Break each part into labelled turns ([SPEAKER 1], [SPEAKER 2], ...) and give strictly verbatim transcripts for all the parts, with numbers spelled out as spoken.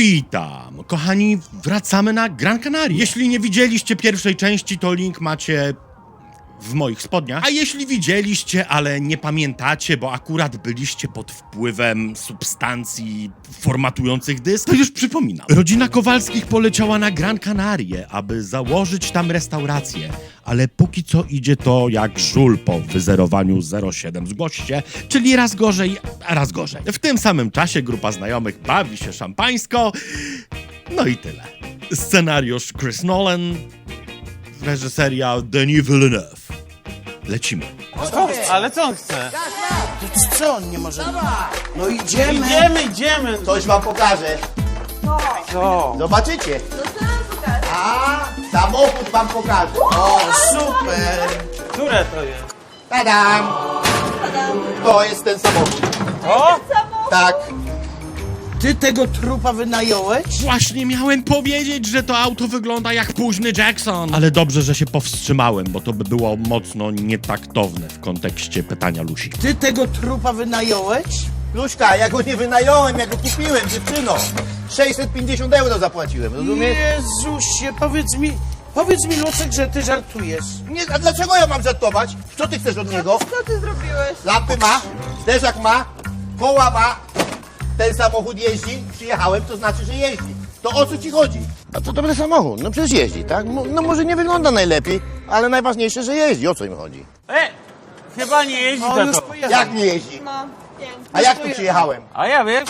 [SPEAKER 1] Witam! Kochani, wracamy na Gran Canaria. Jeśli nie widzieliście pierwszej części, to link macie w moich spodniach. A jeśli widzieliście, ale nie pamiętacie, bo akurat byliście pod wpływem substancji formatujących dysk, to już przypominam. Rodzina Kowalskich poleciała na Gran Canarię, aby założyć tam restaurację. Ale póki co idzie to jak żul po wyzerowaniu zero siedem zgłoś się, czyli raz gorzej, a raz gorzej. W tym samym czasie grupa znajomych bawi się szampańsko. No i tyle. Scenariusz Chris Nolan, reżyseria Denis Villeneuve. Lecimy.
[SPEAKER 2] Co? Ale co on chce?
[SPEAKER 3] To co on nie może? No idziemy.
[SPEAKER 2] Idziemy, idziemy!
[SPEAKER 4] Coś wam pokażę.
[SPEAKER 2] Co?
[SPEAKER 4] Zobaczycie. A, samochód wam pokażę.
[SPEAKER 3] O, super.
[SPEAKER 2] Które to jest?
[SPEAKER 4] Tadam! To jest ten samochód.
[SPEAKER 2] O!
[SPEAKER 4] Tak.
[SPEAKER 3] Ty tego trupa wynająłeś?
[SPEAKER 1] Właśnie miałem powiedzieć, że to auto wygląda jak późny Jackson. Ale dobrze, że się powstrzymałem, bo to by było mocno nietaktowne w kontekście pytania Lusi.
[SPEAKER 3] Ty tego trupa wynająłeś?
[SPEAKER 4] Luśka, ja go nie wynająłem, ja go kupiłem, dziewczyno. sześćset pięćdziesiąt euro zapłaciłem, rozumiesz?
[SPEAKER 3] Jezusie, powiedz mi, powiedz mi, Lucek, że ty żartujesz.
[SPEAKER 4] Nie, a dlaczego ja mam żartować? Co ty chcesz od niego?
[SPEAKER 5] Co ty zrobiłeś?
[SPEAKER 4] Lampy ma, zderzak ma, koła ma. Ten samochód jeździ, przyjechałem, to znaczy, że jeździ. To o co ci chodzi? A to dobry samochód, no przecież jeździ, tak? No może nie wygląda najlepiej, ale najważniejsze, że jeździ, o co im chodzi?
[SPEAKER 2] E! Chyba nie jeździ
[SPEAKER 3] On
[SPEAKER 2] za
[SPEAKER 3] już
[SPEAKER 2] to.
[SPEAKER 3] pojechał.
[SPEAKER 4] Jak nie jeździ?
[SPEAKER 5] No, pięknie.
[SPEAKER 4] A jak tu przyjechałem?
[SPEAKER 2] A ja wiesz?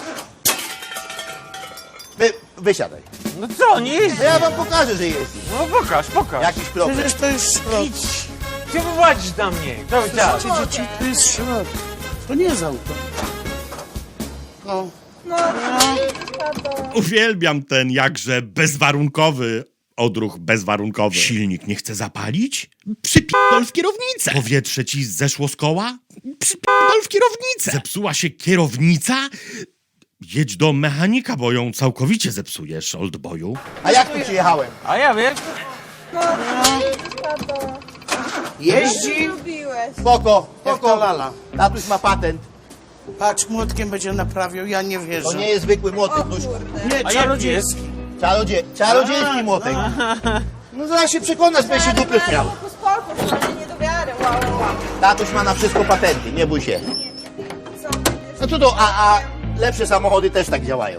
[SPEAKER 4] Wy, wysiadaj.
[SPEAKER 2] No co, nie jeździ?
[SPEAKER 4] To ja wam pokażę, że jeździ.
[SPEAKER 2] No pokaż, pokaż.
[SPEAKER 4] Jakiś problem.
[SPEAKER 3] Przecież to jest szrot.
[SPEAKER 2] Ty wyładzisz na mnie. To chciałeś.
[SPEAKER 3] Słuchajcie, dzieci, to jest szrot. To nie jest auto. No.
[SPEAKER 5] No, no. Tato.
[SPEAKER 1] Uwielbiam ten jakże bezwarunkowy odruch bezwarunkowy. Silnik nie chce zapalić? Przypierdol w kierownicę. Powietrze ci zeszło z koła? Przypierdol w kierownicę. Zepsuła się kierownica? Jedź do mechanika, bo ją całkowicie zepsujesz, oldboyu.
[SPEAKER 4] A jak tu przyjechałem?
[SPEAKER 2] A ja wiesz?
[SPEAKER 5] No, tato.
[SPEAKER 3] Jeździ?
[SPEAKER 5] Lubiłeś.
[SPEAKER 4] Spoko,
[SPEAKER 3] Jak
[SPEAKER 4] spoko.
[SPEAKER 3] to lala.
[SPEAKER 4] Tatuś ma patent.
[SPEAKER 3] Patrz, młotkiem będzie naprawiał, ja nie wierzę.
[SPEAKER 4] To nie jest zwykły młotek, Luśka.
[SPEAKER 3] Nie,
[SPEAKER 2] A
[SPEAKER 3] czarodziejski.
[SPEAKER 4] Czarodzie... Czarodziejski młotek. No zaraz się przekonasz, będziesz się dupy miał.
[SPEAKER 5] Po sportu, ale nie do wiary. Wow, wow, wow.
[SPEAKER 4] Tatuś ma na wszystko patenty, nie bój się.
[SPEAKER 5] Co?
[SPEAKER 4] No co to, a, a lepsze samochody też tak działają.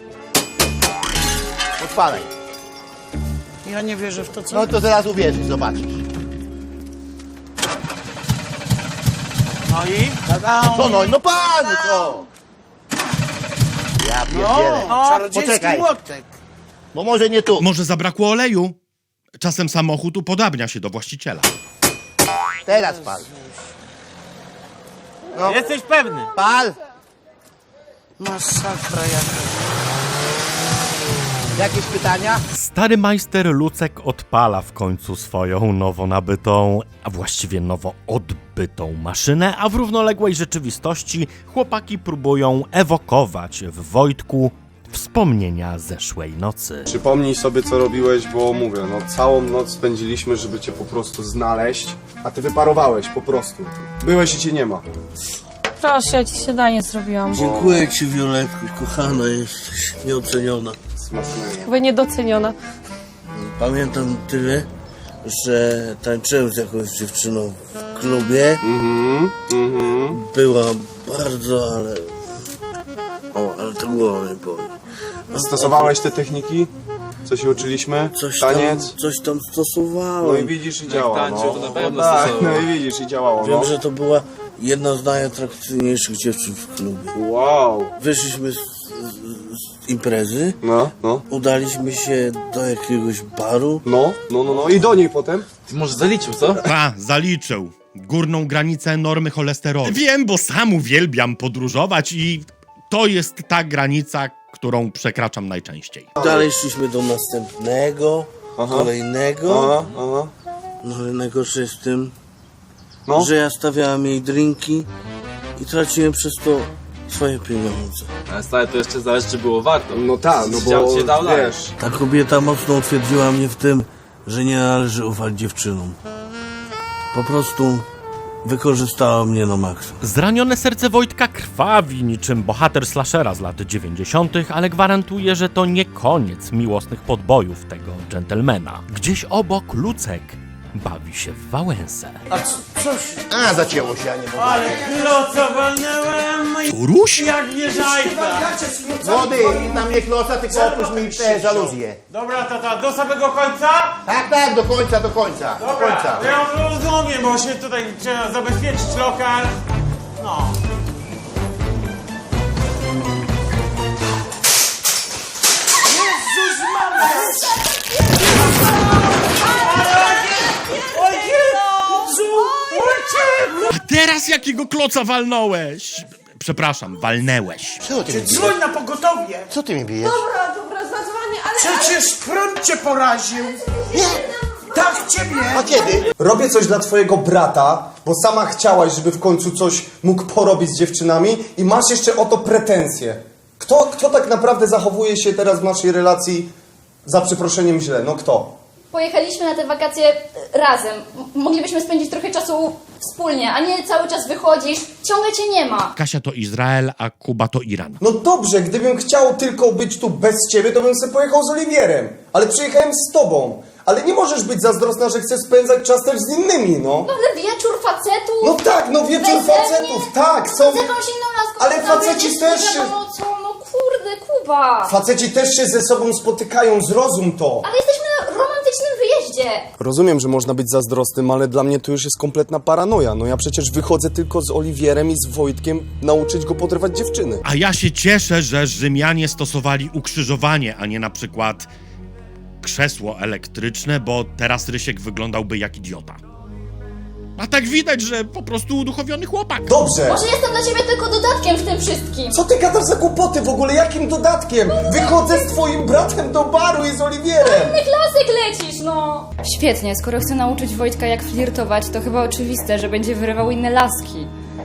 [SPEAKER 4] Odpalaj.
[SPEAKER 3] Ja nie wierzę w to, co...
[SPEAKER 4] No to zaraz uwierzysz, zobaczysz.
[SPEAKER 2] No i?
[SPEAKER 3] Tada!
[SPEAKER 4] Co no, no pan, no co? Ja pierdzielę.
[SPEAKER 3] No, czarodziejski
[SPEAKER 4] Poczekaj.
[SPEAKER 3] młotek.
[SPEAKER 4] Bo może nie tu.
[SPEAKER 1] Może zabrakło oleju? Czasem samochód upodabnia się do właściciela.
[SPEAKER 4] Teraz pal. No,
[SPEAKER 2] Jesteś pewny?
[SPEAKER 4] pal.
[SPEAKER 3] Masakra jaka.
[SPEAKER 4] Jakieś pytania?
[SPEAKER 1] Stary majster Lucek odpala w końcu swoją nowo nabytą, a właściwie nowo odbytą maszynę, a w równoległej rzeczywistości chłopaki próbują ewokować w Wojtku wspomnienia zeszłej nocy.
[SPEAKER 6] Przypomnij sobie, co robiłeś, bo mówię, no całą noc spędziliśmy, żeby cię po prostu znaleźć, a ty wyparowałeś po prostu. Byłeś i cię nie ma.
[SPEAKER 7] Proszę, ja ci śniadanie zrobiłam.
[SPEAKER 8] Dziękuję ci, Violetko, kochana jesteś, nieoceniona.
[SPEAKER 6] Smacznego.
[SPEAKER 7] Chyba niedoceniona.
[SPEAKER 8] Pamiętam tyle, że tańczyłem z jakąś dziewczyną w klubie.
[SPEAKER 6] Mhm, mhm.
[SPEAKER 8] Była bardzo, ale... O, ale to głowa mnie boli.
[SPEAKER 6] Stosowałeś te techniki, co się uczyliśmy?
[SPEAKER 8] Coś tam,
[SPEAKER 6] Taniec?
[SPEAKER 8] coś tam
[SPEAKER 6] No
[SPEAKER 8] stosowałem.
[SPEAKER 6] i widzisz i działa,
[SPEAKER 2] tańczył,
[SPEAKER 6] no.
[SPEAKER 2] to na pewno
[SPEAKER 6] No tak,
[SPEAKER 2] stosował.
[SPEAKER 6] no i widzisz i działało,
[SPEAKER 8] Wiem,
[SPEAKER 6] no.
[SPEAKER 8] że to była jedna z najatrakcyjniejszych dziewczyn w klubie.
[SPEAKER 6] Wow.
[SPEAKER 8] Wyszliśmy z, z, z imprezy,
[SPEAKER 6] No, no.
[SPEAKER 8] udaliśmy się do jakiegoś baru.
[SPEAKER 6] No, no, no, no i do niej potem.
[SPEAKER 2] Ty może zaliczył, co?
[SPEAKER 1] A, zaliczył. Górną granicę normy cholesterolu. Wiem, bo sam uwielbiam podróżować i to jest ta granica, którą przekraczam najczęściej.
[SPEAKER 8] Dalej szliśmy do następnego,
[SPEAKER 6] Aha.
[SPEAKER 8] kolejnego.
[SPEAKER 6] Aha, aha.
[SPEAKER 8] No ale najgorsze jest w tym,
[SPEAKER 6] No.
[SPEAKER 8] że ja stawiałem jej drinki i traciłem przez to swoje pieniądze.
[SPEAKER 9] Ale stary, to jeszcze zależy, czy było warto.
[SPEAKER 6] No tak, no
[SPEAKER 9] Chciał
[SPEAKER 6] bo
[SPEAKER 9] cię dał dalej.
[SPEAKER 6] wiesz,
[SPEAKER 8] Ta kobieta mocno utwierdziła mnie w tym, że nie należy ufać dziewczynom. Po prostu wykorzystała mnie na maksa.
[SPEAKER 1] Zranione serce Wojtka krwawi niczym bohater slashera z lat dziewięćdziesiątych, ale gwarantuje, że to nie koniec miłosnych podbojów tego dżentelmena. Gdzieś obok Lucek bawi się w Wałęsę.
[SPEAKER 3] A co, coś...
[SPEAKER 4] A, zacięło się, a nie mogę.
[SPEAKER 2] Ale kloca walnęłem i
[SPEAKER 1] Turuś?
[SPEAKER 2] jak wieżajka.
[SPEAKER 4] Młody, na mnie kloca, tylko opuść mi te żaluzje.
[SPEAKER 2] Dobra, tata, do samego końca?
[SPEAKER 4] Tak, tak, do końca, do końca, do końca.
[SPEAKER 2] Ja rozumiem, bo się tutaj trzeba zabezpieczyć lokal. No.
[SPEAKER 1] A teraz jakiego kloca walnąłeś? Przepraszam, walnęłeś.
[SPEAKER 4] Co ty mi bijesz?
[SPEAKER 3] Dzwoń na pogotowie!
[SPEAKER 4] Co ty mi bijesz?
[SPEAKER 5] Dobra, dobra, zadzwonię, ale...
[SPEAKER 3] Przecież prąd cię poraził!
[SPEAKER 4] Nie.
[SPEAKER 3] Tak, ciebie!
[SPEAKER 4] A kiedy?
[SPEAKER 6] Robię coś dla twojego brata, bo sama chciałaś, żeby w końcu coś mógł porobić z dziewczynami i masz jeszcze o to pretensje. Kto, kto tak naprawdę zachowuje się teraz w naszej relacji za przeproszeniem źle? No kto?
[SPEAKER 10] Pojechaliśmy na te wakacje razem. M- Moglibyśmy spędzić trochę czasu wspólnie, a nie cały czas wychodzisz. Ciągle cię nie ma.
[SPEAKER 1] Kasia to Izrael, a Kuba to Iran.
[SPEAKER 6] No dobrze, gdybym chciał tylko być tu bez ciebie, to bym sobie pojechał z Oliwierem. Ale przyjechałem z tobą. Ale nie możesz być zazdrosna, że chcesz spędzać czas też z innymi, no.
[SPEAKER 10] No ale wieczór facetów.
[SPEAKER 6] No tak, no wieczór
[SPEAKER 10] Wesele,
[SPEAKER 6] facetów, tak, są...
[SPEAKER 10] Z jakąś inną laską.
[SPEAKER 6] Ale
[SPEAKER 10] z
[SPEAKER 6] faceci
[SPEAKER 10] nie z
[SPEAKER 6] też
[SPEAKER 10] twoją
[SPEAKER 6] się-
[SPEAKER 10] mocą. No kurde, Kuba.
[SPEAKER 6] Faceci też się ze sobą spotykają, zrozum to.
[SPEAKER 10] Ale jesteśmy na romantycznym wyjeździe.
[SPEAKER 6] Rozumiem, że można być zazdrosnym, ale dla mnie to już jest kompletna paranoja. No ja przecież wychodzę tylko z Oliwierem i z Wojtkiem nauczyć go podrywać dziewczyny.
[SPEAKER 1] A ja się cieszę, że Rzymianie stosowali ukrzyżowanie, a nie na przykład krzesło elektryczne, bo teraz Rysiek wyglądałby jak idiota. A tak widać, że po prostu uduchowiony chłopak.
[SPEAKER 6] Dobrze!
[SPEAKER 10] Może jestem dla ciebie tylko dodatkiem w tym wszystkim.
[SPEAKER 6] Co ty gadasz za głupoty w ogóle? Jakim dodatkiem? Wychodzę z twoim bratem do baru i z Oliwierem!
[SPEAKER 10] Inny klasyk lecisz, no.
[SPEAKER 11] Świetnie, skoro chcę nauczyć Wojtka jak flirtować, to chyba oczywiste, że będzie wyrywał inne laski.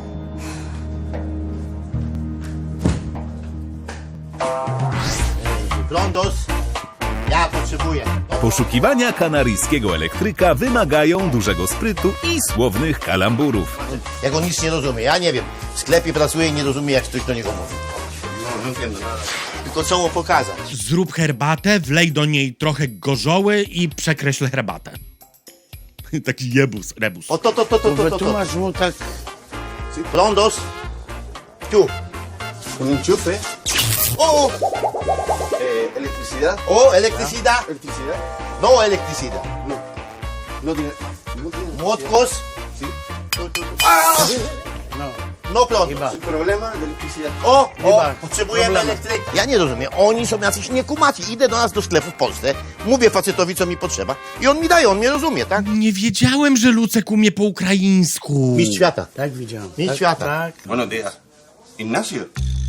[SPEAKER 4] Blondos, ja potrzebuję.
[SPEAKER 12] Poszukiwania kanaryjskiego elektryka wymagają dużego sprytu i słownych kalamburów.
[SPEAKER 4] Jak on nic nie rozumie, ja nie wiem. W sklepie pracuje i nie rozumie, jak ktoś do niego mówi. No, no wiem, no. Tylko co mu pokazać?
[SPEAKER 1] Zrób herbatę, wlej do niej trochę gorzoły i przekreśl herbatę. Taki jebus, rebus.
[SPEAKER 4] O to, to, to, to, to, to, to.
[SPEAKER 3] Wytłumacz mu tak...
[SPEAKER 4] Blondos, tu.
[SPEAKER 6] Un enchufe.
[SPEAKER 4] O,
[SPEAKER 6] Eh, electricidad.
[SPEAKER 4] o, electricidad.
[SPEAKER 6] Electricidad.
[SPEAKER 4] No electricidad.
[SPEAKER 6] No tiene... No tiene...
[SPEAKER 4] Młotkos.
[SPEAKER 6] Sí.
[SPEAKER 4] Ah!
[SPEAKER 3] No,
[SPEAKER 4] No prąd.
[SPEAKER 3] chyba.
[SPEAKER 6] Sin problema de electricidad.
[SPEAKER 4] O, o,
[SPEAKER 3] Chyba.
[SPEAKER 4] potrzebujemy
[SPEAKER 3] Problemy.
[SPEAKER 4] elektryka. Ja nie rozumiem, oni są jacyś niekumaci. Idę do nas do sklepu w Polsce, mówię facetowi, co mi potrzeba i on mi daje, on mnie rozumie, tak?
[SPEAKER 1] Nie wiedziałem, że Lucek umie po ukraińsku.
[SPEAKER 4] Mistrz świata.
[SPEAKER 3] Tak widziałem.
[SPEAKER 4] Mistrz
[SPEAKER 3] tak,
[SPEAKER 4] świata.
[SPEAKER 3] Tak.
[SPEAKER 6] Buenos días. Ignacio.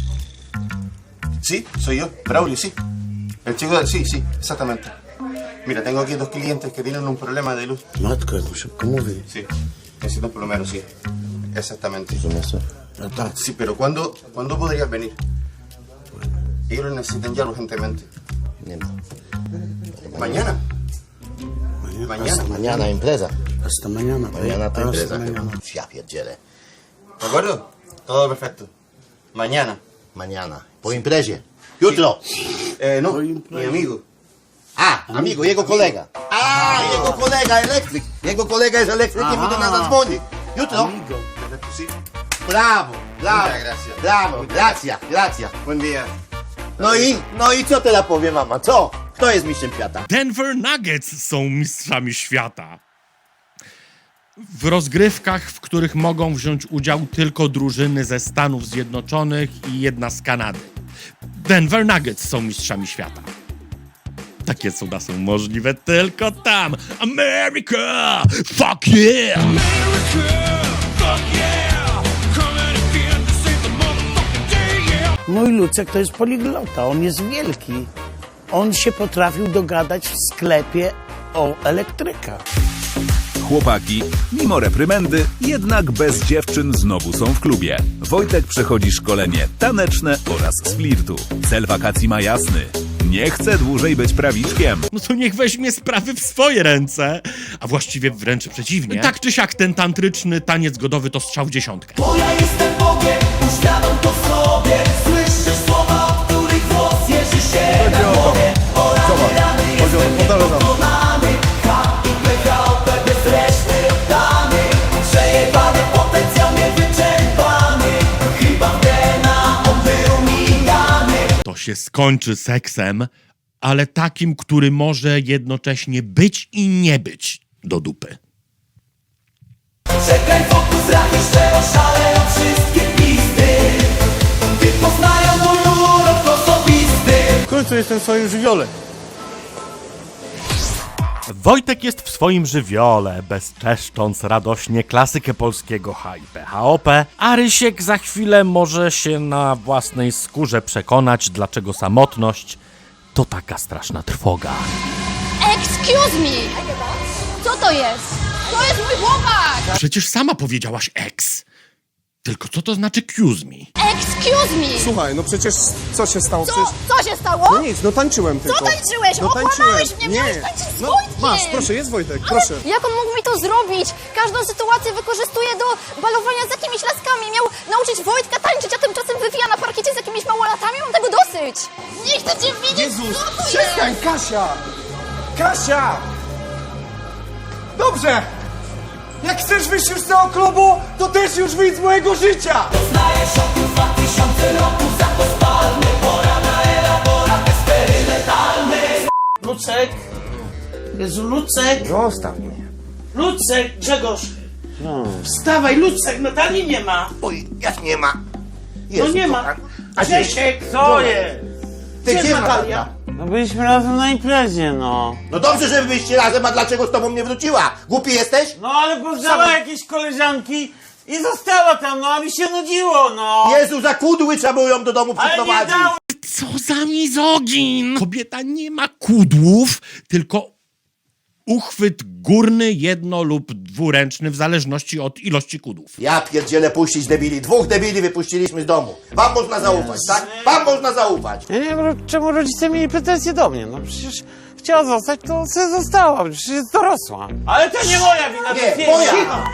[SPEAKER 6] Sí, soy yo, Braulio, sí. El chico del... Sí, sí, exactamente. Mira, tengo aquí dos clientes que tienen un problema de luz.
[SPEAKER 3] Matko, jak mu szybko mówi.
[SPEAKER 6] Sí, necesito un plomero, sí. Exactamente.
[SPEAKER 3] No tak.
[SPEAKER 6] Sí, pero ¿cuándo, ¿cuándo podrías venir? Ellos lo necesitan ya urgentemente.
[SPEAKER 4] Nie ma.
[SPEAKER 6] Mañana. Mañana.
[SPEAKER 4] Mañana impreza.
[SPEAKER 3] Hasta mañana.
[SPEAKER 4] Mañana to
[SPEAKER 3] Hasta
[SPEAKER 4] impreza.
[SPEAKER 3] mañana.
[SPEAKER 4] Ja pierdzielę.
[SPEAKER 6] ¿De acuerdo? Todo perfecto. Mañana.
[SPEAKER 4] Mañana. Po imprezie. Jutro.
[SPEAKER 6] Eh, no,
[SPEAKER 3] Hoy
[SPEAKER 6] mi
[SPEAKER 3] impresa.
[SPEAKER 6] amigo.
[SPEAKER 4] A, amigo, jego kolega. A, jego kolega elektryk. Jego kolega jest elektrykiem i do nas zadzwoni. Jutro.
[SPEAKER 3] Amigo.
[SPEAKER 6] Sí.
[SPEAKER 4] Brawo, brawo.
[SPEAKER 6] Muchas gracias.
[SPEAKER 4] Brawo, gracja, gracja.
[SPEAKER 6] Buen día.
[SPEAKER 4] No i, no i co teraz powie mama, co? Kto jest mistrzem świata?
[SPEAKER 1] Denver Nuggets są mistrzami świata. W rozgrywkach, w których mogą wziąć udział tylko drużyny ze Stanów Zjednoczonych i jedna z Kanady. Denver Nuggets są mistrzami świata. Takie cuda są możliwe tylko tam. America! Fuck yeah!
[SPEAKER 3] Mój Lucek to jest poliglota, on jest wielki. On się potrafił dogadać w sklepie o elektryka.
[SPEAKER 12] Chłopaki, mimo reprymendy, jednak bez dziewczyn znowu są w klubie. Wojtek przechodzi szkolenie taneczne oraz z flirtu. Cel wakacji ma jasny. Nie chce dłużej być prawiczkiem.
[SPEAKER 1] No to niech weźmie sprawy w swoje ręce. A właściwie wręcz przeciwnie. Tak czy siak ten tantryczny taniec godowy to strzał w dziesiątkę.
[SPEAKER 13] Bo ja jestem Bogiem, uświadom to sobie. Słyszysz słowa, o których głos jeży się na głowie. O rany, rany, jestem niepokonany. H i P, K O P bez reszty oddany. Przejebany potencjał niewyczerpany. Chyba w D N A on był migany.
[SPEAKER 1] To się skończy seksem, ale takim, który może jednocześnie być i nie być do dupy.
[SPEAKER 13] Czekaj, fokus, rak, jeszcze oszaleją wszystkie pisty. Ty poznają mój urok osobisty.
[SPEAKER 3] W końcu jestem w swoim żywiole.
[SPEAKER 1] Wojtek jest w swoim żywiole, bezczeszcząc radośnie klasykę polskiego H I P H O P, a Rysiek za chwilę może się na własnej skórze przekonać, dlaczego samotność to taka straszna trwoga.
[SPEAKER 10] Excuse me! Co to jest? To jest mój chłopak!
[SPEAKER 1] Przecież sama powiedziałaś ex. Tylko co to znaczy excuse me?
[SPEAKER 10] Excuse me!
[SPEAKER 6] Słuchaj, no przecież co się stało?
[SPEAKER 10] Co,
[SPEAKER 6] Przecież...
[SPEAKER 10] co się stało?
[SPEAKER 6] No nic, no tańczyłem tylko.
[SPEAKER 10] Co tańczyłeś?
[SPEAKER 6] No
[SPEAKER 10] Okłamałeś
[SPEAKER 6] tańczyłem.
[SPEAKER 10] mnie,
[SPEAKER 6] Nie.
[SPEAKER 10] miałeś tańczyć z
[SPEAKER 6] No,
[SPEAKER 10] Wojtkiem!
[SPEAKER 6] masz, proszę, jest Wojtek, proszę.
[SPEAKER 10] Jak on mógł mi to zrobić? Każdą sytuację wykorzystuje do balowania z jakimiś laskami. Miał nauczyć Wojtka tańczyć, a tymczasem wywija na parkiecie z jakimiś małolatami. Mam tego dosyć. Nie chcę cię widzieć.
[SPEAKER 6] Jezus,
[SPEAKER 10] co to
[SPEAKER 6] przestań,
[SPEAKER 10] jest?
[SPEAKER 6] Kasia! Kasia! Dobrze! Jak chcesz wyjść już z tego klubu, to też już wyjdź z mojego życia!
[SPEAKER 13] Znajesz oku dwa tysiące roku, zakos palmy. Pora na elaborat eksperymentalny.
[SPEAKER 3] Lucek. Jezu, Lucek.
[SPEAKER 4] Zostaw mnie.
[SPEAKER 3] Lucek, Grzegorz. Wstawaj, Lucek, Natalii nie ma.
[SPEAKER 4] Oj, jak nie ma.
[SPEAKER 3] No
[SPEAKER 4] Jezu,
[SPEAKER 3] nie ma.
[SPEAKER 4] kochany.
[SPEAKER 3] Grzesiek, co jest?
[SPEAKER 4] Ty
[SPEAKER 3] Gdzie
[SPEAKER 4] gdzie
[SPEAKER 3] jest Natalia?
[SPEAKER 4] Natalia?
[SPEAKER 3] No byliśmy razem na imprezie, no.
[SPEAKER 4] No dobrze, że byliście razem, a dlaczego z tobą nie wróciła? Głupi jesteś?
[SPEAKER 3] No ale poznała jakieś koleżanki i została tam, no a mi się nudziło, no.
[SPEAKER 4] Jezu, za kudły trzeba było ją do domu
[SPEAKER 3] Ale nie
[SPEAKER 4] przyprowadzić.
[SPEAKER 3] dało.
[SPEAKER 1] Co za mizogin! Kobieta nie ma kudłów, tylko uchwyt górny, jedno- lub dwuręczny, w zależności od ilości kudłów.
[SPEAKER 4] Ja pierdzielę puścić debili. Dwóch debili wypuściliśmy z domu. Wam można zaufać, tak? Wam można zaufać.
[SPEAKER 3] Ja nie wiem, czemu rodzice mieli pretensje do mnie, no przecież chciała zostać, to sobie została, przecież jest dorosła. Ale to nie moja wina,
[SPEAKER 4] Nie, moja!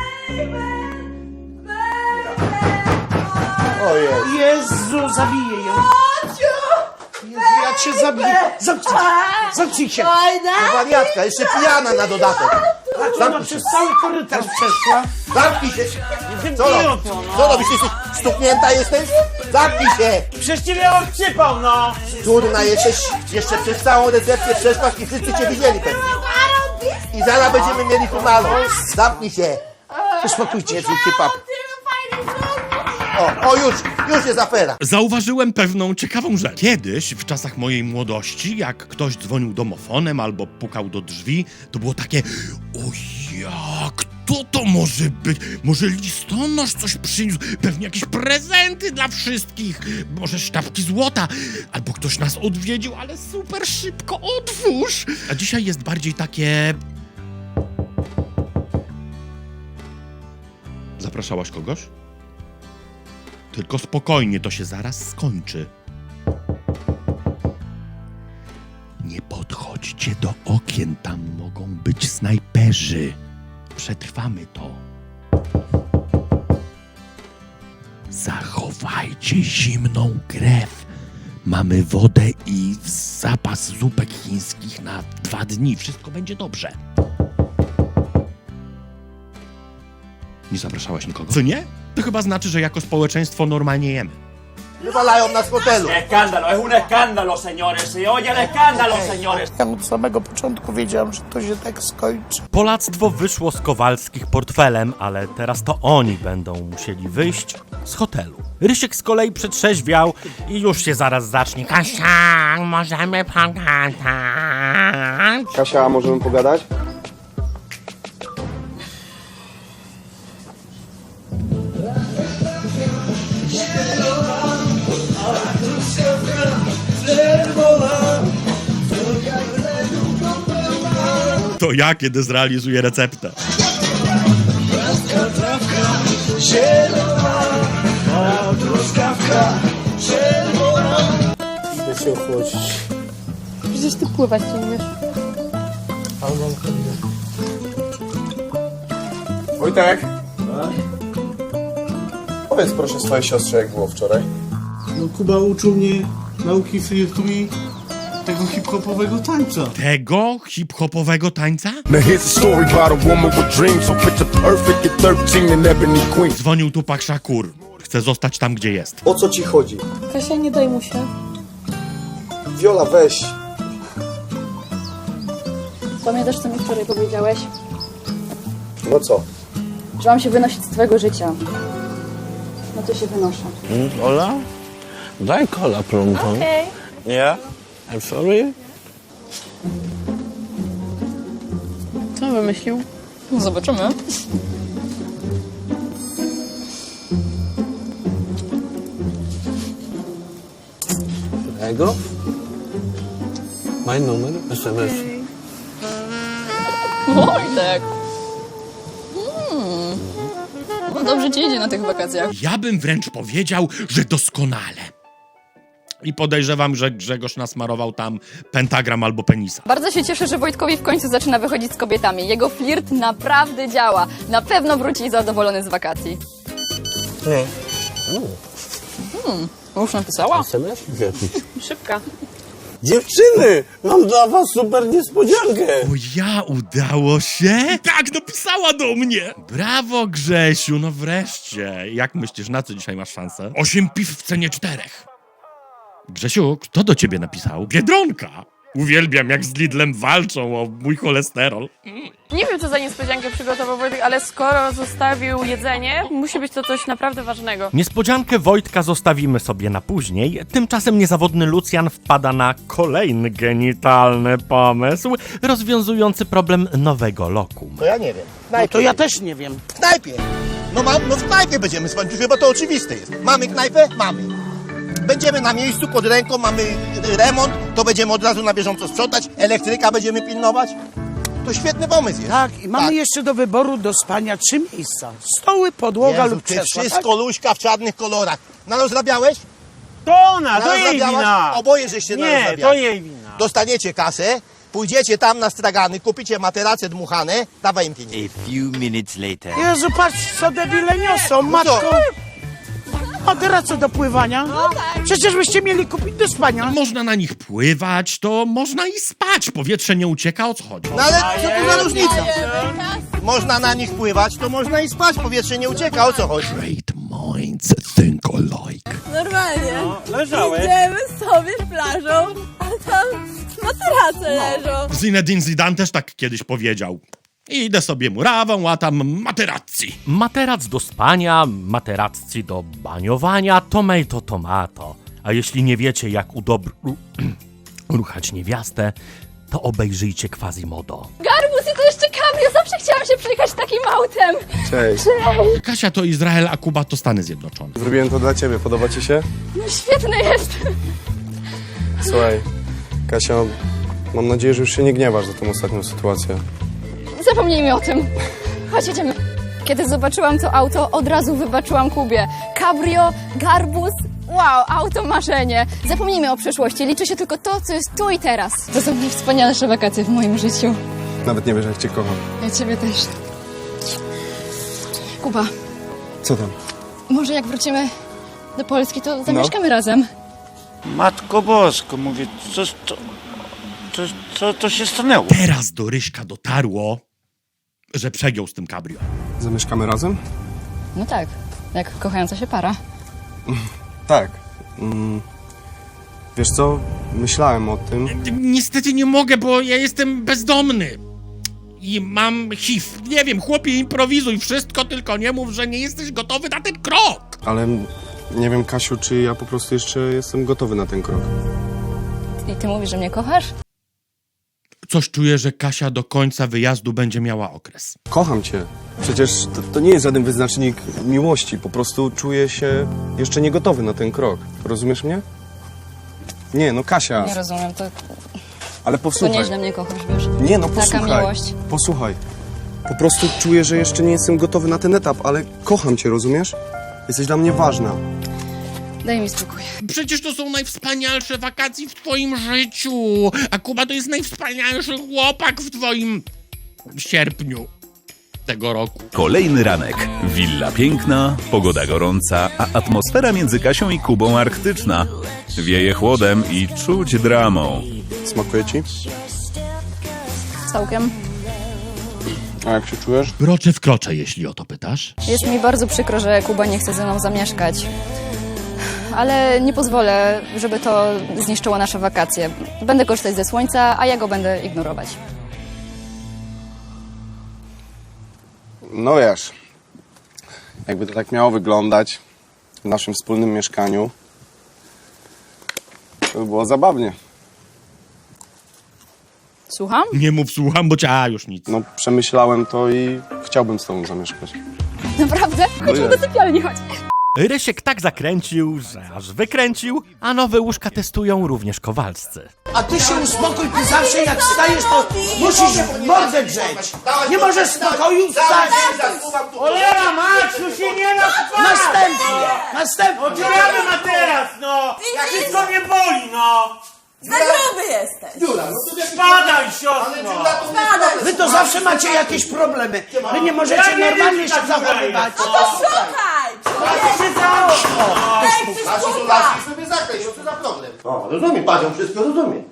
[SPEAKER 4] Ojej.
[SPEAKER 3] Jezu, zabiję ją. Jezu, ja cię zabiję. Zamknij się, zamknij się.
[SPEAKER 4] To wariatka, jeszcze pijana na dodatek.
[SPEAKER 3] Ona
[SPEAKER 4] Zamknij się.
[SPEAKER 3] przez cały korytarz przeszła.
[SPEAKER 4] Zamknij się. Co
[SPEAKER 3] Zamknij
[SPEAKER 4] robisz?
[SPEAKER 3] to, no.
[SPEAKER 4] Co robisz? Jesteś stuknięta jesteś? Zamknij się.
[SPEAKER 3] Przecież cię miałem przypał, no.
[SPEAKER 4] Durna jesteś. Jeszcze przez całą recepcję przeszłaś i wszyscy cię widzieli pewnie. I zaraz będziemy mieli finalną. Zamknij się.
[SPEAKER 3] Uspokójcie się.
[SPEAKER 4] Zróbcie pap. O, o już, już jest afera.
[SPEAKER 1] Zauważyłem pewną ciekawą rzecz. Kiedyś, w czasach mojej młodości, jak ktoś dzwonił domofonem albo pukał do drzwi, to było takie: o ja, kto to może być? Może listonosz coś przyniósł? Pewnie jakieś prezenty dla wszystkich. Może sztabki złota. Albo ktoś nas odwiedził, ale super szybko otwórz. A dzisiaj jest bardziej takie... Zapraszałaś kogoś? Tylko spokojnie, to się zaraz skończy. Nie podchodźcie do okien, tam mogą być snajperzy. Przetrwamy to. Zachowajcie zimną krew. Mamy wodę i zapas zupek chińskich na dwa dni. Wszystko będzie dobrze. Nie zapraszałaś nikogo? Co nie? To chyba znaczy, że jako społeczeństwo normalnie jemy.
[SPEAKER 4] Wywalają nas z hotelu.
[SPEAKER 13] Escándalo, es un escándalo, señores. Se oye el escándalo, señores.
[SPEAKER 3] Ja od samego początku wiedziałam, że to się tak skończy.
[SPEAKER 1] Polactwo wyszło z Kowalskich portfelem, ale teraz to oni będą musieli wyjść z hotelu. Rysiek z kolei przetrzeźwiał i już się zaraz zacznie. Kasia, możemy pogadać.
[SPEAKER 6] Kasia, możemy pogadać?
[SPEAKER 1] To ja, kiedy zrealizuję receptę.
[SPEAKER 3] Idę się ochłodzić.
[SPEAKER 7] Przecież ty pływać nie umiesz.
[SPEAKER 6] Wojtek! Powiedz proszę swojej siostrze, jak było wczoraj.
[SPEAKER 8] No Kuba uczył mnie nauki flirtu i tego hip-hopowego tańca.
[SPEAKER 1] Tego hip-hopowego tańca?
[SPEAKER 13] Now here's a story about a woman with dreams, so picture perfect at thirteen and Ebony Queen.
[SPEAKER 1] Dzwonił Tupac Shakur. Chce zostać tam, gdzie jest.
[SPEAKER 6] O co ci chodzi?
[SPEAKER 7] Kasia, nie daj mu się.
[SPEAKER 6] Wiola, weź.
[SPEAKER 11] Pamiętasz, co mi wczoraj powiedziałeś?
[SPEAKER 6] No co?
[SPEAKER 11] Że mam się wynosić z twojego życia. No to się wynoszę.
[SPEAKER 8] Ola? Daj kola prądką.
[SPEAKER 7] Okej.
[SPEAKER 8] Yeah? I'm sorry?
[SPEAKER 7] Co wymyślił?
[SPEAKER 11] No zobaczymy.
[SPEAKER 8] Tego? Mój numer es em es.
[SPEAKER 11] Wojtek! Hmm. No dobrze ci idzie na tych wakacjach.
[SPEAKER 1] Ja bym wręcz powiedział, że doskonale. I podejrzewam, że Grzegorz nasmarował tam pentagram albo penisa.
[SPEAKER 11] Bardzo się cieszę, że Wojtkowi w końcu zaczyna wychodzić z kobietami. Jego flirt naprawdę działa. Na pewno wróci zadowolony z wakacji.
[SPEAKER 8] Nie.
[SPEAKER 11] Hmm. Już napisała?
[SPEAKER 8] es em es?
[SPEAKER 7] Szybka.
[SPEAKER 8] Dziewczyny! Mam dla was super niespodziankę!
[SPEAKER 1] O ja, udało się? Tak, napisała do mnie! Brawo, Grzesiu, no wreszcie. Jak myślisz, na co dzisiaj masz szansę? Osiem piw w cenie czterech. Grzesiu, kto do ciebie napisał? Biedronka! Uwielbiam, jak z Lidlem walczą o mój cholesterol.
[SPEAKER 7] Nie wiem, co za niespodziankę przygotował Wojtek, ale skoro zostawił jedzenie, musi być to coś naprawdę ważnego.
[SPEAKER 1] Niespodziankę Wojtka zostawimy sobie na później. Tymczasem niezawodny Lucjan wpada na kolejny genitalny pomysł, rozwiązujący problem nowego lokum.
[SPEAKER 4] To ja nie wiem.
[SPEAKER 3] No to ja też nie wiem.
[SPEAKER 4] W knajpie. No mam, no w knajpie będziemy spać, chyba to oczywiste jest. Mamy knajpę? Mamy. Będziemy na miejscu, pod ręką, mamy remont, to będziemy od razu na bieżąco sprzątać, elektryka będziemy pilnować. To świetny pomysł jest.
[SPEAKER 3] Tak, i mamy
[SPEAKER 4] Tak.
[SPEAKER 3] jeszcze do wyboru do spania trzy miejsca. Stoły, podłoga
[SPEAKER 4] Jezu,
[SPEAKER 3] lub
[SPEAKER 4] ty
[SPEAKER 3] krzesła.
[SPEAKER 4] wszystko luźka w czarnych kolorach. Narozrabiałeś?
[SPEAKER 2] To ona, to jej
[SPEAKER 4] Narozrabiałaś?
[SPEAKER 2] wina!
[SPEAKER 4] Oboje żeście
[SPEAKER 2] Nie,
[SPEAKER 4] narozrabiali.
[SPEAKER 2] to jej wina.
[SPEAKER 4] Dostaniecie kasę, pójdziecie tam na stragany, kupicie materace dmuchane, dawaj im pieniądze.
[SPEAKER 13] A few minutes later.
[SPEAKER 3] Jezu, patrz, co debile niosą, matko. A teraz co do pływania? Przecież byście mieli kupić do spania.
[SPEAKER 1] Można na nich pływać, to można i spać. Powietrze nie ucieka, o co chodzi?
[SPEAKER 4] No ale co tu za różnica? Można na nich pływać, to można i spać, powietrze nie ucieka, o co chodzi?
[SPEAKER 1] Great minds think alike.
[SPEAKER 5] Normalnie.
[SPEAKER 2] No, leżałeś.
[SPEAKER 5] Idziemy sobie plażą, a tam materace leżą.
[SPEAKER 1] Zinedine Zidane też tak kiedyś powiedział. Idę sobie murawą, łatam materacji. Materac do spania, materacji do baniowania, tomato tomato. A jeśli nie wiecie, jak udobr... ruchać niewiastę, to obejrzyjcie Quasimodo.
[SPEAKER 11] Garbus i to jeszcze cabrio! Zawsze chciałam się przejechać takim autem!
[SPEAKER 6] Cześć.
[SPEAKER 1] Kasia to Izrael, a Kuba to Stany Zjednoczone.
[SPEAKER 6] Zrobiłem to dla ciebie, podoba ci się?
[SPEAKER 11] No świetny jest!
[SPEAKER 6] Słuchaj, Kasia, mam nadzieję, że już się nie gniewasz za tą ostatnią sytuację.
[SPEAKER 11] Zapomnijmy o tym. Chodź, jedziemy. Kiedy zobaczyłam to auto, od razu wybaczyłam Kubie. Cabrio, garbus, wow, auto marzenie. Zapomnijmy o przeszłości, liczy się tylko to, co jest tu i teraz. To są najwspanialsze wakacje w moim życiu.
[SPEAKER 6] Nawet nie wiesz, jak cię kocham.
[SPEAKER 11] Ja ciebie też. Kuba,
[SPEAKER 6] Co tam?
[SPEAKER 11] może jak wrócimy do Polski, to zamieszkamy razem.
[SPEAKER 2] Matko Bosko, mówię, co, co, co, co to się stanęło?
[SPEAKER 1] Teraz do Ryśka dotarło, że przegiął z tym cabrio.
[SPEAKER 6] Zamieszkamy razem?
[SPEAKER 11] No tak, jak kochająca się para.
[SPEAKER 6] Tak. Mm. Wiesz co? Myślałem o tym.
[SPEAKER 1] Niestety nie mogę, bo ja jestem bezdomny. I mam H I V. Nie wiem, chłopie, improwizuj wszystko, tylko nie mów, że nie jesteś gotowy na ten krok.
[SPEAKER 6] Ale nie wiem, Kasiu, czy ja po prostu jeszcze jestem gotowy na ten krok.
[SPEAKER 11] I ty mówisz, że mnie kochasz?
[SPEAKER 1] Coś czuję, że Kasia do końca wyjazdu będzie miała okres.
[SPEAKER 6] Kocham cię. Przecież to, to nie jest żaden wyznacznik miłości. Po prostu czuję się jeszcze nie gotowy na ten krok. Rozumiesz mnie? Nie, no Kasia.
[SPEAKER 11] Nie rozumiem, to,
[SPEAKER 6] Ale
[SPEAKER 11] to
[SPEAKER 6] posłuchaj.
[SPEAKER 11] nieźle mnie kochasz, wiesz.
[SPEAKER 6] Nie, no
[SPEAKER 11] Taka
[SPEAKER 6] posłuchaj.
[SPEAKER 11] miłość.
[SPEAKER 6] Posłuchaj. Po prostu czuję, że jeszcze nie jestem gotowy na ten etap, ale kocham cię, rozumiesz? Jesteś dla mnie ważna.
[SPEAKER 11] Daj mi spokój.
[SPEAKER 1] Przecież to są najwspanialsze wakacje w twoim życiu, a Kuba to jest najwspanialszy chłopak w twoim sierpniu tego roku.
[SPEAKER 12] Kolejny ranek. Willa piękna, pogoda gorąca, a atmosfera między Kasią i Kubą arktyczna. Wieje chłodem i czuć dramą.
[SPEAKER 14] Smakuje ci?
[SPEAKER 11] Całkiem.
[SPEAKER 14] A jak się czujesz?
[SPEAKER 1] Kroczę w krocze, jeśli o to pytasz.
[SPEAKER 11] Jest mi bardzo przykro, że Kuba nie chce ze mną zamieszkać. Ale nie pozwolę, żeby to zniszczyło nasze wakacje. Będę korzystać ze słońca, a ja go będę ignorować.
[SPEAKER 14] No wiesz, jakby to tak miało wyglądać w naszym wspólnym mieszkaniu, to by było zabawnie.
[SPEAKER 11] Słucham?
[SPEAKER 1] Nie mów słucham, bo cię a, już nic.
[SPEAKER 14] No przemyślałem to i chciałbym z tobą zamieszkać.
[SPEAKER 11] Naprawdę? Chodźmy do sypialni, chodź.
[SPEAKER 15] Rysiek tak zakręcił, że aż wykręcił, a nowe łóżka testują również kowalscy.
[SPEAKER 3] A ty się uspokój, ty zawsze jak wstajesz, to musisz mordę drzeć. Nie możesz w spokoju wstać.
[SPEAKER 13] Cholera, Maciu, się nie da spać!
[SPEAKER 3] Następnie, następnie.
[SPEAKER 13] Odbieramy na teraz, no! Jak wszystko mnie boli, no!
[SPEAKER 5] Za gruby jesteś!
[SPEAKER 4] Dziura, no to wiesz,
[SPEAKER 13] Spadaj,
[SPEAKER 4] ale
[SPEAKER 13] siostro!
[SPEAKER 4] dziura to
[SPEAKER 5] Spadaj!
[SPEAKER 3] Wy to zawsze macie jakieś problemy. Wy nie możecie
[SPEAKER 13] Ja nie
[SPEAKER 3] normalnie
[SPEAKER 13] wiem,
[SPEAKER 3] się
[SPEAKER 13] tak
[SPEAKER 3] zachowywać.
[SPEAKER 5] No to szukaj!
[SPEAKER 13] się za okno!
[SPEAKER 5] Daj ty
[SPEAKER 4] Nasi to
[SPEAKER 5] sztuka!
[SPEAKER 4] laski sobie zakreś, co za problem? O, rozumiem, panią wszystko rozumiem.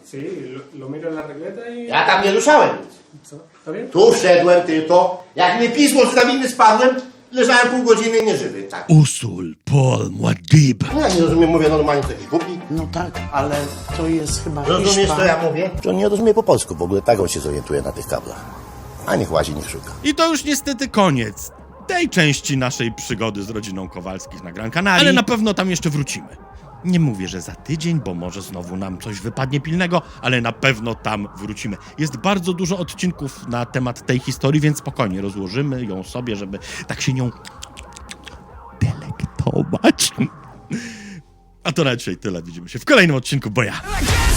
[SPEAKER 4] Ja tam nie ruszałem nic. Tu wszedłem tylko, jak mnie pismo z drabiny spadłem, leżałem pół godziny nieżywy, tak.
[SPEAKER 1] Usul, Paul, Muad'Dib.
[SPEAKER 4] No ja nie rozumiem, mówię normalnie, to jakiś głupi.
[SPEAKER 3] No tak, ale to jest chyba
[SPEAKER 4] Rozumiesz,
[SPEAKER 3] Hiszpan.
[SPEAKER 4] co ja mówię?
[SPEAKER 16] On nie rozumie po polsku, w ogóle tak on się zorientuje na tych kablach. A niech łazi, niech szuka.
[SPEAKER 1] I to już niestety koniec tej części naszej przygody z rodziną Kowalskich na Gran Canaria. Ale na pewno tam jeszcze wrócimy. Nie mówię, że za tydzień, bo może znowu nam coś wypadnie pilnego, ale na pewno tam wrócimy. Jest bardzo dużo odcinków na temat tej historii, więc spokojnie rozłożymy ją sobie, żeby tak się nią delektować. A to na dzisiaj tyle. Widzimy się w kolejnym odcinku, bo ja...